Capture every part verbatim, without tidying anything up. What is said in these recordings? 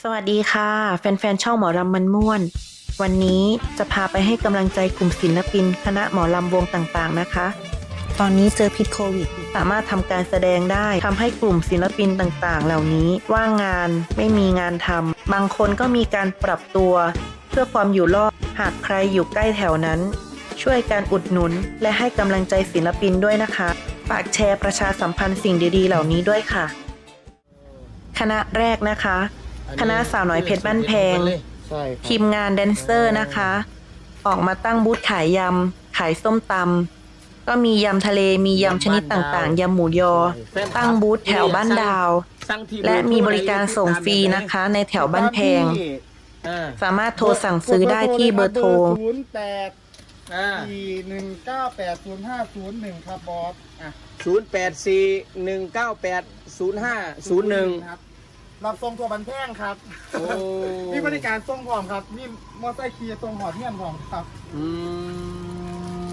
สวัสดีค่ะแฟนๆช่องหมอลำมันม่วนวันนี้จะพาไปให้กำลังใจกลุ่มศิลปินคณะหมอลำวงต่างๆนะคะตอนนี้เจอพิษโควิดสามารถทำการแสดงได้ทำให้กลุ่มศิลปินต่างๆเหล่านี้ว่างงานไม่มีงานทำบางคนก็มีการปรับตัวเพื่อความอยู่รอดหากใครอยู่ใกล้แถวนั้นช่วยการอุดหนุนและให้กำลังใจศิลปินด้วยนะคะฝากแชร์ประชาสัมพันธ์สิ่งดีๆเหล่านี้ด้วยค่ะคณะแรกนะคะคณะสาวน้อยเพชรบ้านแพงทีมงานแดนเซอร์นะคะออกมาตั้งบูธขายยำขายส้มตำก็มียำทะเลมียำชนิดต่างๆยำหมูยอตั้งบูธแถวบ้านดาวและมีบริการส่งฟรีนะคะในแถวบ้านแพงสามารถโทรสั่งซื้อได้ที่เบอร์โทรศูนย์แปดสี่หนึ่งเก้าแปดศูนย์ห้าศูนย์หนึ่งครับบอสศูนย์แปดสี่หนึ่งเก้าแปดศูนย์ห้าศูนย์หนึ่งครับรับส่งตัวบันแพงครับนี่บริการส่งพร้อมครับนี่มอเตอร์ไซค์ขี่ส่งหอดเทียนพร้อมครับอืม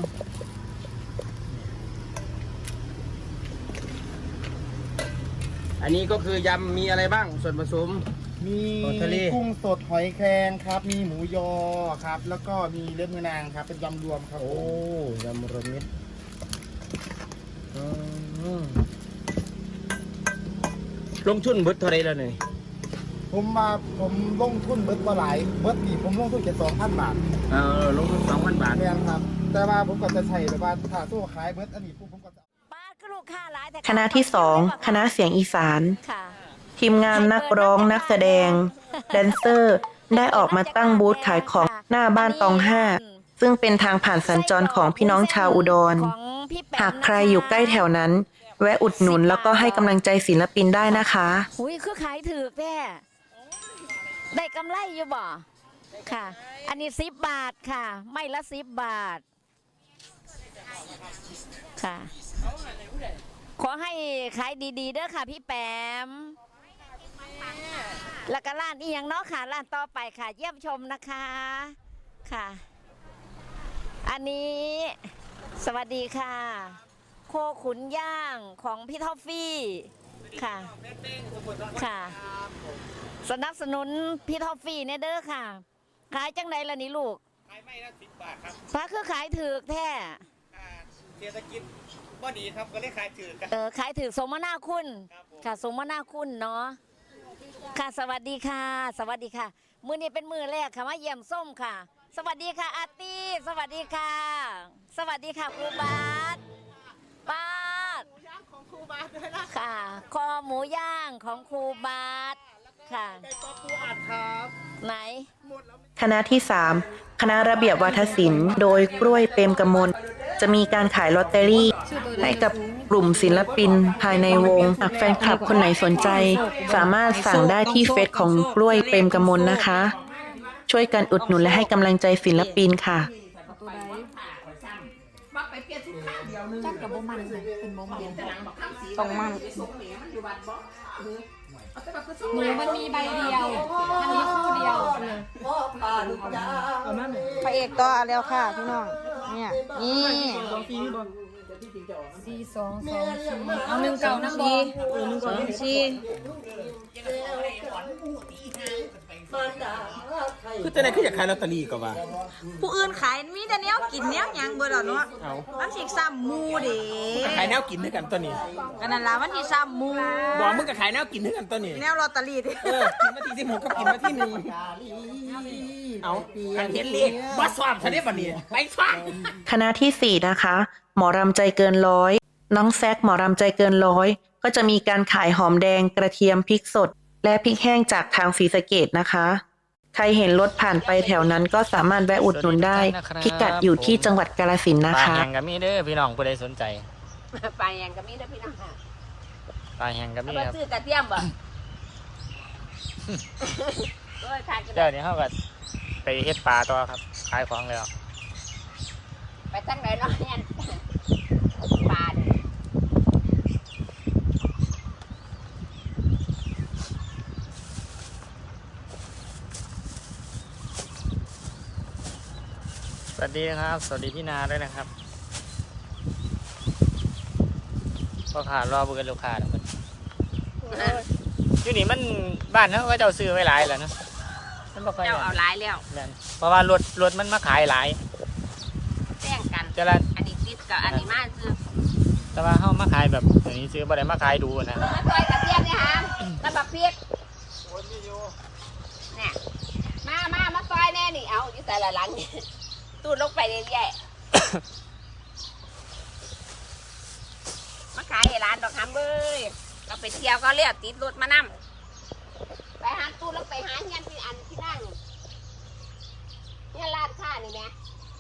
อันนี้ก็คือยำมีอะไรบ้างส่วนผสมมีกุ้งสดหอยแครงครับมีหมูยอครับแล้วก็มีเล็บมือนางครับเป็นยำรวมครับโอ้ยำรวมมิตรลงทุนเบิดเท่าไรแล้วเนี่ยผมมาผมลงทุนเบิดมาหลายเบิดปีผมลงทุนแค่สองพันบาทเออลงทุนสองพันบาทเนี่ยครับแต่ว่าผมก็จะใช้แบบว่าถ้าตู้ขายเบิดอันนี้ผมก็จะคณะที่สองคณะเสียงอีสานทีมงานนักร้องนักแสดงแดนเซอร์ได้ออกมาตั้งบูธขายของหน้าบ้านตองห้าซึ่งเป็นทางผ่านสัญจรของพี่น้องชาวอุดรหากใครอยู่ใกล้แถวนั้นแวะอุดหนุนแล้วก็ให้กำลังใจศิลปินได้นะคะหุยคือขายถือแม่ได้กำไรอยู่บ่ค่ะอันนี้สิบบาทค่ะไม่ละสิบบาทค่ะขอให้ขายดีๆเด้อค่ะพี่แปมแล้วก็ร้านอีกอย่างเนาะค่ะร้านต่อไปค่ะเยี่ยมชมนะคะค่ะอันนี้สวัสดีค่ะโคขุนย่างของพี่ท็อฟฟี่ค่ะค่ะสนับสนุนพี่ท็อฟฟี่เนี่ยเด้อค่ะขายจังไดล่ะนี่ลูกขายไม่ละสิบบาทครับพระคือขายถือแท้เศรษฐกิจบ่ดีครับก็เลยขายถือเออขายถือสมนาคุณค่ะสมนาคุณเนาะค่ะสวัสดีค่ะสวัสดีค่ะมื้อนี้เป็นมื้อแรกค่ะมาเยี่ยมส้มค่ะสวัสดีค่ะอาร์ตี้สวัสดีค่ะสวัสดีค่ะครูบาสบาสหมูย่างของครูบาสด้วยนะค่ะคอหมูย่างของครูบาสค่ะไก่ป๊อปปูอัดครับไหนคณะที่สามคณะระเบียบวาทศิลป์โดยกล้วยเปรมกมลจะมีการขายลอตเตอรี่ให้กับกลุ่มศิลปินภายในวงหากแฟนคลับคนไหนสนใจสามารถสั่งได้ที่เฟซของกล้วยเปรมกมลนะคะช่วยกันอุดหนุนและให้กำลังใจศิลปินค่ะจักกับโบมันเลยเป็นโบมันต้องมันหนูมันมีใบเดียวมันมีคู่เดียวพระเอกต่อแล้วค่ะพี่น้องเนี่ยนี่สี่สองสองสี่เอาหนึ่งเก่าน้ำบอลหนึ่งสองสี่คือจะไหนคืออยากขายลอตเตอรี่ก็ว่าผู้อื่นขายมีแต่เนี้ยกินเนี้ยยังเบอร์ดอเนาะมันสิซ้ำมูเด้ขายแนวกินด้วยกันตัวนี้กันนั่นละมันสิซ้ำมูบอกมึงก็ขายแนวกินด้วยกันตัวนี้แนวลอตเตอรี่ดิเออกินมาทีสิบหกก็กินมาที่หนึ่งเอาการเห็นเลขบอสสอบทะเลบันนี้ไปฟังคณะที่สี่นะคะหมอรำใจเกินร้อยน้องแซกหมอรำใจเกินร้อยก็จะมีการขายหอมแดงกระเทียมพริกสดและพริกแห้งจากทางศรีสะเกษนะคะใครเห็นรถผ่านไปแถวนั้นก็สามารถแวะอุดหนุนได้พิกัดอยู่ที่จังหวัดกาฬสินธุ์นะคะปลาแห้งกับมีเด้อพี่น้องผู้ใดสนใจปลาแห้งกับมีเด้อพี่น้องปลาแห้งกับมีครับซื้อกระเทียมบ่เจ้านี้เขาก็ไปเฮ็ดปลาต่อครับขายของแล้วไปตั้งไหนเนาะเนี่ยปลาสวัสดีครับสวัสดีพี่นาด้วยนะครับพ่อขารอบุกันลูกค้าทุกคนอยู่นี่มันบ้านเขาก็เจ้าซื้อไว้หลายแล้วเนาะมันบ่ค่อยเจ้าเอาหลายแล้วแม่นเพราะว่ารถรถมันมาขายหลายแจ้งกันแต่ละอันนี้ติดกับอันนี้มาซื้อแต่ว่าเขามาขายแบบอย่างนี้ซื้อบ่ได้มาขายดูนะมาซอยกระเทียมเนี่ยฮะแล้วบักพริกเนี่ยมามามาซอยแน่นี่เอาอยู่แต่ละหลังนี่ตูดลงไปเรื่อยๆมาขายให้ร้านดอกคำเบ้ยเราไปเที่ยวก็เรียกติดรถมานำไปหาตู้แล้วไปหาเฮียนที่อันที่นั่งเฮียนร้านค้านี่แหม่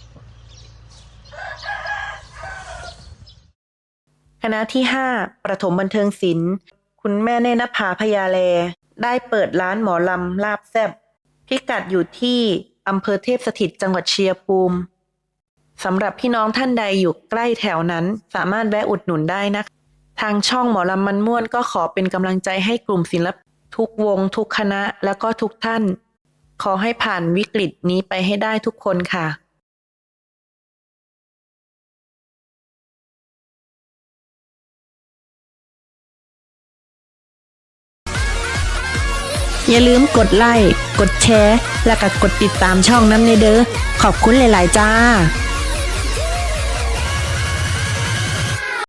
คณะที่ห้าประถมบันเทิงศิลป์คุณแม่เนนภาพยาแลได้เปิดร้านหมอลำลาบแซบพิกัดอยู่ที่อำเภอเทพสถิตจังหวัดชัยภูมิสำหรับพี่น้องท่านใดอยู่ใกล้แถวนั้นสามารถแวะอุดหนุนได้นะคะทางช่องหมอลำมันม่วนก็ขอเป็นกำลังใจให้กลุ่มศิลปินทุกวงทุกคณะแล้วก็ทุกท่าน ขอให้ผ่านวิกฤตนี้ไปให้ได้ทุกคนค่ะอย่าลืมกดไลค์ กดแชร์ และก็กดติดตามช่องน้ำในเด้อขอบคุณหลายๆจ้า